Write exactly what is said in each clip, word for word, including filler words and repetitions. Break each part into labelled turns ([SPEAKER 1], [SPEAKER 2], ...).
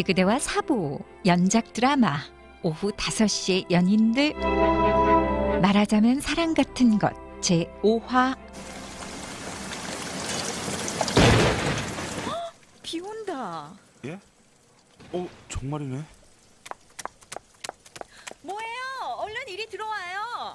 [SPEAKER 1] 우리 그대와 사부 연작 드라마 오후 다섯 시에 연인들 말하자면 사랑 같은 것 제오 화. 비 온다.
[SPEAKER 2] 예? 어, 정말이네.
[SPEAKER 1] 뭐예요? 얼른 이리 들어와요.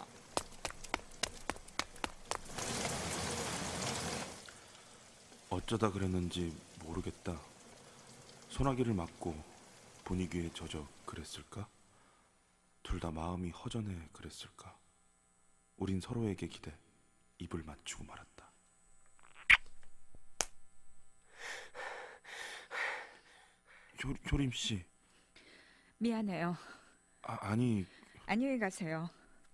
[SPEAKER 2] 어쩌다 그랬는지 모르겠다. 소나기를 맞고 분위기에 젖어 그랬을까? 둘 다 마음이 허전해 그랬을까? 우린 서로에게 기대 입을 맞추고 말았다. 효, 효림 씨.
[SPEAKER 1] 미안해요.
[SPEAKER 2] 아, 아니.
[SPEAKER 1] 안녕히 가세요.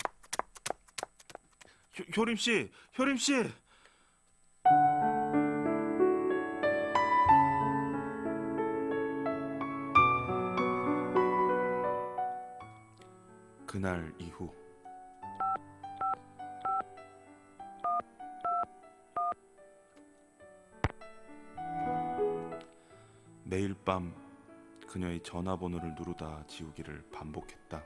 [SPEAKER 2] 효, 효림 씨, 효림 씨. 그날 이후 매일 밤 그녀의 전화번호를 누르다 지우기를 반복했다.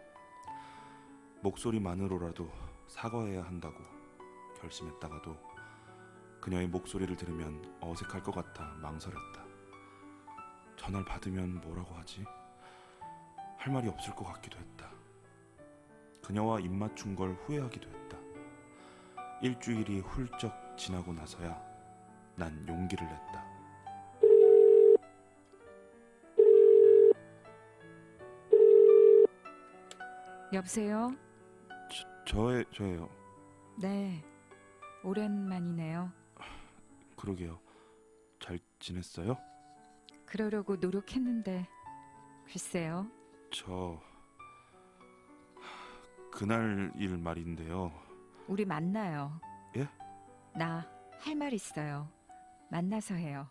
[SPEAKER 2] 목소리만으로라도 사과해야 한다고 결심했다가도 그녀의 목소리를 들으면 어색할 것 같아 망설였다. 전화를 받으면 뭐라고 하지? 할 말이 없을 것 같기도 했다. 그녀와 입 맞춘 걸 후회하기도 했다. 일주일이 훌쩍 지나고 나서야 난 용기를 냈다.
[SPEAKER 1] 여보세요?
[SPEAKER 2] 저, 저의, 저예요.
[SPEAKER 1] 네, 오랜만이네요.
[SPEAKER 2] 그러게요. 잘 지냈어요?
[SPEAKER 1] 그러려고 노력했는데 글쎄요.
[SPEAKER 2] 저... 그날 일 말인데요.
[SPEAKER 1] 우리 만나요.
[SPEAKER 2] 예?
[SPEAKER 1] 나 할 말 있어요. 만나서 해요.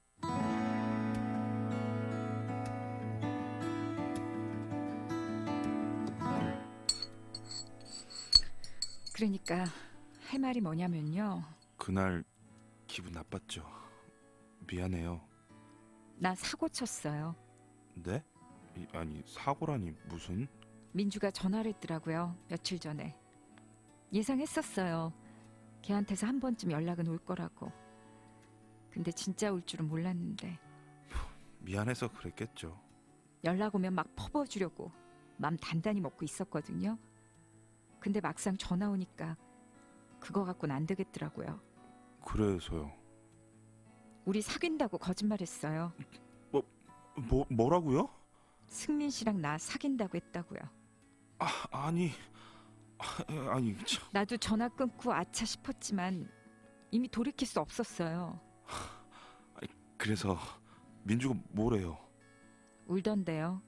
[SPEAKER 1] 그러니까 할 말이 뭐냐면요.
[SPEAKER 2] 그날 기분 나빴죠. 미안해요.
[SPEAKER 1] 나 사고 쳤어요.
[SPEAKER 2] 네? 이, 아니 사고라니 무슨?
[SPEAKER 1] 민주가 전화를 했더라고요. 며칠 전에. 예상했었어요. 걔한테서 한 번쯤 연락은 올 거라고. 근데 진짜 올 줄은 몰랐는데.
[SPEAKER 2] 미안해서 그랬겠죠.
[SPEAKER 1] 연락 오면 막 퍼부어주려고 맘 단단히 먹고 있었거든요. 근데 막상 전화 오니까 그거 갖고는 안 되겠더라고요.
[SPEAKER 2] 그래서요.
[SPEAKER 1] 우리 사귄다고 거짓말했어요.
[SPEAKER 2] 뭐, 뭐 뭐라고요?
[SPEAKER 1] 승민 씨랑 나 사귄다고 했다고요.
[SPEAKER 2] 아, 아니 아, 아니 참.
[SPEAKER 1] 나도 전화 끊고 아차 싶었지만 이미 돌이킬 수 없었어요.
[SPEAKER 2] 그래서 민주가 뭐래요?
[SPEAKER 1] 울던데요.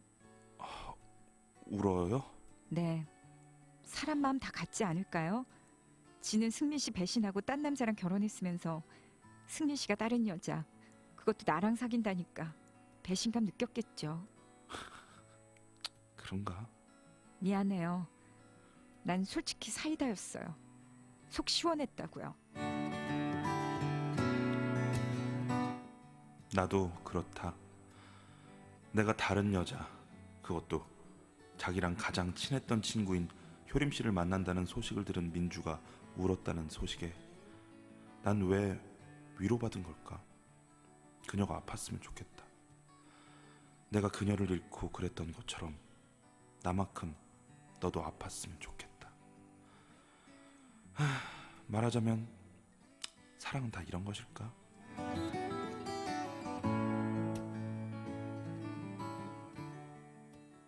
[SPEAKER 2] 울어요?
[SPEAKER 1] 네. 사람 마음 다 같지 않을까요? 지는 승민 씨 배신하고 딴 남자랑 결혼했으면서 승민 씨가 다른 여자, 그것도 나랑 사귄다니까 배신감 느꼈겠죠.
[SPEAKER 2] 그런가?
[SPEAKER 1] 미안해요. 난 솔직히 사이다였어요. 속 시원했다고요.
[SPEAKER 2] 나도 그렇다. 내가 다른 여자, 그것도 자기랑 가장 친했던 친구인 효림 씨를 만난다는 소식을 들은 민주가 울었다는 소식에 난 왜 위로받은 걸까? 그녀가 아팠으면 좋겠다. 내가 그녀를 잃고 그랬던 것처럼 나만큼 너도 아팠으면 좋겠다. 하, 말하자면 사랑은 다 이런 것일까?